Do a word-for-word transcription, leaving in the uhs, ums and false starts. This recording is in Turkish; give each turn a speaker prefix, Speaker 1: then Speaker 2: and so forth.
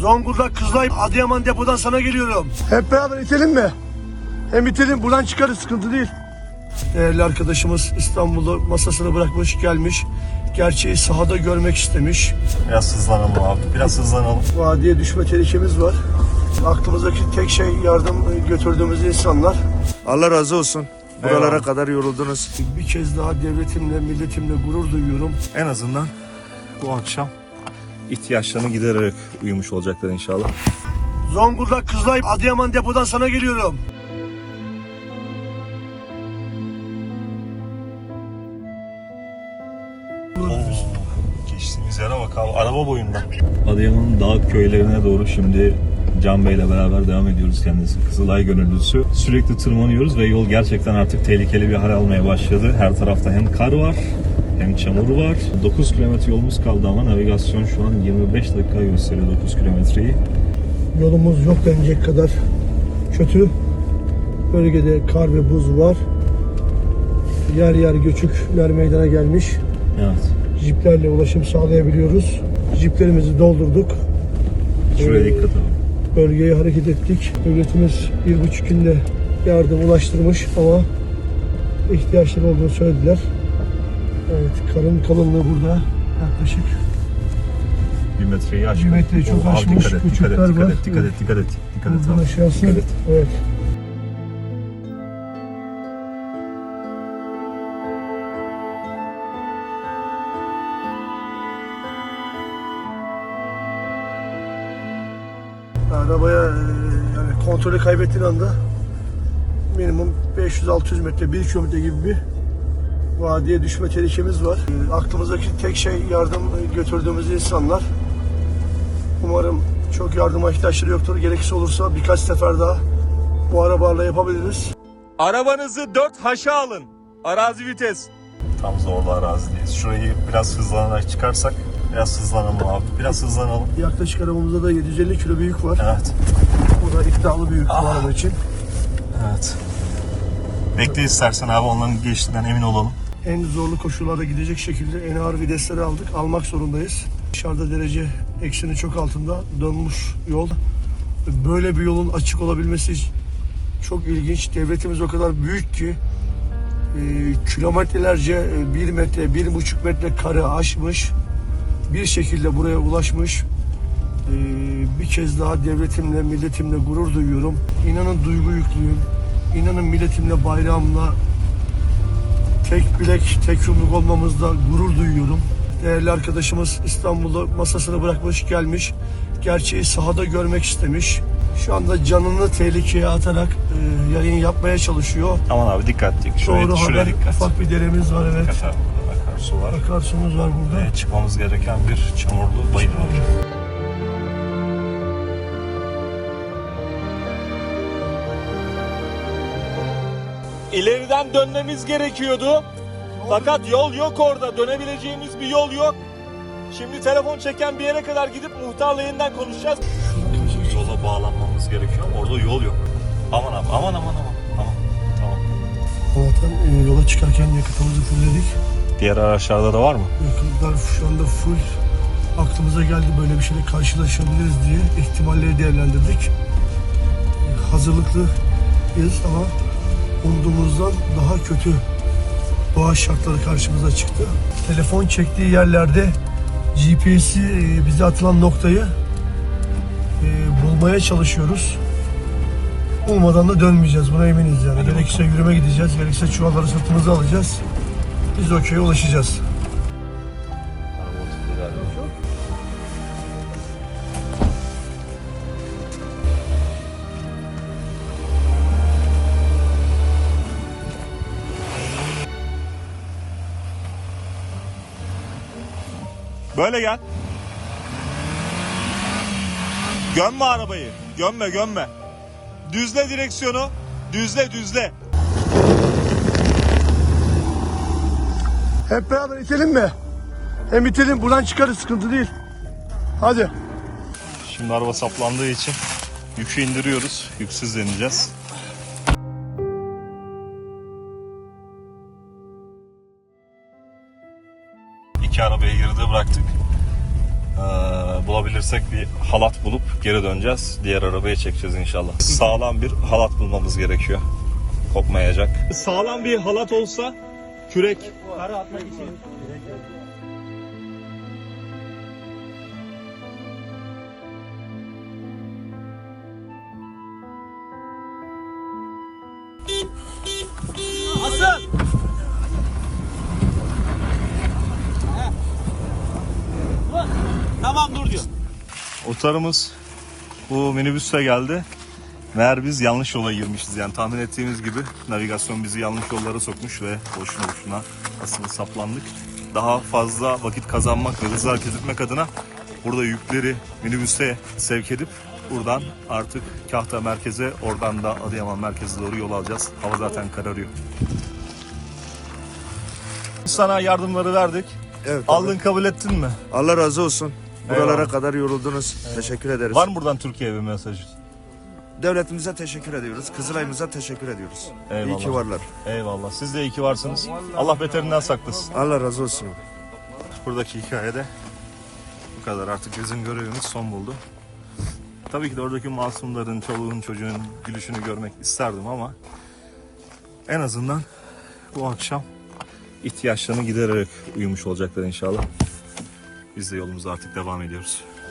Speaker 1: Zonguldak, Kızılay, Adıyaman depodan sana geliyorum. Hep beraber itelim mi? Hem itelim, buradan çıkarız, sıkıntı değil. Değerli arkadaşımız İstanbul'da masasını bırakmış gelmiş. Gerçeği sahada görmek istemiş.
Speaker 2: Biraz hızlanalım abi, biraz hızlanalım.
Speaker 1: Vadiye düşme tehlikemiz var. Aklımızdaki tek şey yardım götürdüğümüz insanlar.
Speaker 3: Allah razı olsun. Buralara
Speaker 2: Eyvallah.
Speaker 3: kadar yoruldunuz.
Speaker 1: Bir kez daha devletimle, milletimle gurur duyuyorum.
Speaker 2: En azından bu akşam ihtiyaçlarını gidererek uyumuş olacaklar inşallah.
Speaker 1: Zonguldak, Kızılay, Adıyaman depodan sana geliyorum.
Speaker 2: Geçtiğimiz yere bak abi, araba boyunda. Adıyaman'ın dağ köylerine doğru şimdi Can Bey'le beraber devam ediyoruz. Kendisi Kızılay gönüllüsü. Sürekli tırmanıyoruz ve yol gerçekten artık tehlikeli bir hal almaya başladı. Her tarafta hem kar var hem çamur var. dokuz kilometre yolumuz kaldı ama navigasyon şu an yirmi beş dakika gösteriyor dokuz kilometreyi.
Speaker 1: Yolumuz yok denecek kadar kötü. Bölgede kar ve buz var. Yer yer göçükler meydana gelmiş.
Speaker 2: Evet.
Speaker 1: Jiplerle ulaşım sağlayabiliyoruz. Jiplerimizi doldurduk.
Speaker 2: Şuraya
Speaker 1: Ee,
Speaker 2: dikkat edin.
Speaker 1: Bölgeye hareket ettik. Devletimiz bir buçuk günde yardım ulaştırmış ama ihtiyaçları olduğunu söylediler. Evet, karın kalınlığı burada yaklaşık
Speaker 2: Bir metreyi aşmış.
Speaker 1: Bir metreyi çok
Speaker 2: Oo, abi
Speaker 1: aşmış,
Speaker 2: Dikkat et, dikkat et,
Speaker 1: küçükler
Speaker 2: dikkat
Speaker 1: var.
Speaker 2: et, dikkat et, dikkat et, dikkat et.
Speaker 1: buradan
Speaker 2: abi,
Speaker 1: aşağısı.
Speaker 2: dikkat et.
Speaker 1: Evet. Arabaya e, yani kontrolü kaybettiğin anda minimum beş yüz altı yüz metre, bir kilometre gibi bir vadiye düşme tehlikemiz var. E, aklımızdaki tek şey yardım götürdüğümüz insanlar. Umarım çok yardıma ihtiyaçları yoktur. Gerekirse olursa birkaç sefer daha bu arabalarla yapabiliriz.
Speaker 4: Arabanızı dört haşa alın. Arazi vites.
Speaker 2: Tam zorlu arazideyiz. Şurayı biraz hızlanarak çıkarsak, biraz hızlanalım abi, biraz hızlanalım.
Speaker 1: Yaklaşık arabamızda da yedi yüz elli kilo bir yük var.
Speaker 2: Evet.
Speaker 1: Bu da iddialı bir yük bu araba için.
Speaker 2: Evet. Bekle istersen abi, onların geçtiğinden emin olalım.
Speaker 1: En zorlu koşullarda gidecek şekilde en ağır vitesleri aldık. Almak zorundayız. Dışarıda derece eksinin çok altında dönmüş yol. Böyle bir yolun açık olabilmesi çok ilginç. Devletimiz o kadar büyük ki e, kilometrelerce e, bir metre, bir buçuk metre karı aşmış. Bir şekilde buraya ulaşmış. E, bir kez daha devletimle, milletimle gurur duyuyorum. İnanın duygu yüklüyüm. İnanın milletimle, bayrağımla tek bilek, tek yumruk olmamızda gurur duyuyorum. Değerli arkadaşımız İstanbul'da masasını bırakmış gelmiş. Gerçeği sahada görmek istemiş. Şu anda canını tehlikeye atarak e, yayın yapmaya çalışıyor.
Speaker 2: Aman abi dikkatli. Şuraya,
Speaker 1: Doğru
Speaker 2: şuraya
Speaker 1: haber.
Speaker 2: dikkat.
Speaker 1: Ufak bir deremiz var, evet.
Speaker 2: Dikkat abi, burada akarsu var.
Speaker 1: Akarsumuz var burada.
Speaker 2: Ve çıkmamız gereken bir çamurlu bayır var.
Speaker 4: İleriden dönmemiz gerekiyordu. Fakat yol yok orada. Dönebileceğimiz bir yol yok. Şimdi telefon çeken bir yere kadar gidip muhtarla yeniden konuşacağız.
Speaker 2: Yola bağlanmamız gerekiyor ama orada yol yok. Aman abi, aman aman aman. Tamam, tamam.
Speaker 1: Zaten e, yola çıkarken yakıtımızı fullledik.
Speaker 2: Diğer araçlarda da var mı?
Speaker 1: Yakıtlar şu anda full. Aklımıza geldi böyle bir şeyle karşılaşabiliriz diye ihtimalleri değerlendirdik. E, hazırlıklıyız ama umduğumuzdan daha kötü doğa şartları karşımıza çıktı. Telefon çektiği yerlerde G P S'i e, bize atılan noktayı e, bulmaya çalışıyoruz. Olmadan da dönmeyeceğiz. Buna eminiz yani.
Speaker 2: Hadi
Speaker 1: Gerekirse yürüme gideceğiz. Gerekirse çuvalları sırtımıza alacağız. Biz o köye ulaşacağız.
Speaker 4: Böyle gel. Gömme arabayı. Gömme gömme. Düzle direksiyonu. Düzle düzle.
Speaker 1: Hep beraber itelim mi? Hem itelim, buradan çıkarız, sıkıntı değil. Hadi.
Speaker 2: Şimdi araba saplandığı için yükü indiriyoruz. Yüksüz deneyeceğiz. İki arabayı geride bıraktık. Ee, Ee, bulabilirsek bir halat bulup geri döneceğiz. Diğer arabaya çekeceğiz inşallah. Sağlam bir halat bulmamız gerekiyor. Kopmayacak. Sağlam bir halat olsa kürek.
Speaker 4: Kara atmak için. Asıl! Tamam dur diyor.
Speaker 2: Otarımız bu minibüsle geldi. Meğer biz yanlış yola girmişiz. Yani tahmin ettiğimiz gibi navigasyon bizi yanlış yollara sokmuş ve boşuna boşuna aslında saplandık. Daha fazla vakit kazanmak ve hızlı hareket etmek adına burada yükleri minibüse sevk edip buradan artık Kahta merkeze, oradan da Adıyaman merkeze doğru yol alacağız. Hava zaten kararıyor. Sana yardımları verdik.
Speaker 3: Evet.
Speaker 2: Aldın,
Speaker 3: abi.
Speaker 2: kabul ettin mi?
Speaker 3: Allah razı olsun. Buralara
Speaker 2: Eyvallah.
Speaker 3: kadar yoruldunuz. Teşekkür ederiz.
Speaker 2: Var mı buradan Türkiye'ye bir mesaj?
Speaker 3: Devletimize teşekkür ediyoruz. Kızılay'ımıza teşekkür ediyoruz.
Speaker 2: Eyvallah.
Speaker 3: İyi ki varlar.
Speaker 2: Eyvallah. Siz de iyi ki varsınız. Allah beterinden saklasın.
Speaker 3: Allah razı olsun.
Speaker 2: Buradaki hikayede bu kadar. Artık bizim görevimiz son buldu. Tabii ki de oradaki masumların, çoluğun, çocuğun gülüşünü görmek isterdim ama en azından bu akşam ihtiyaçlarını gidererek uyumuş olacaklar inşallah. Biz de yolumuza artık devam ediyoruz.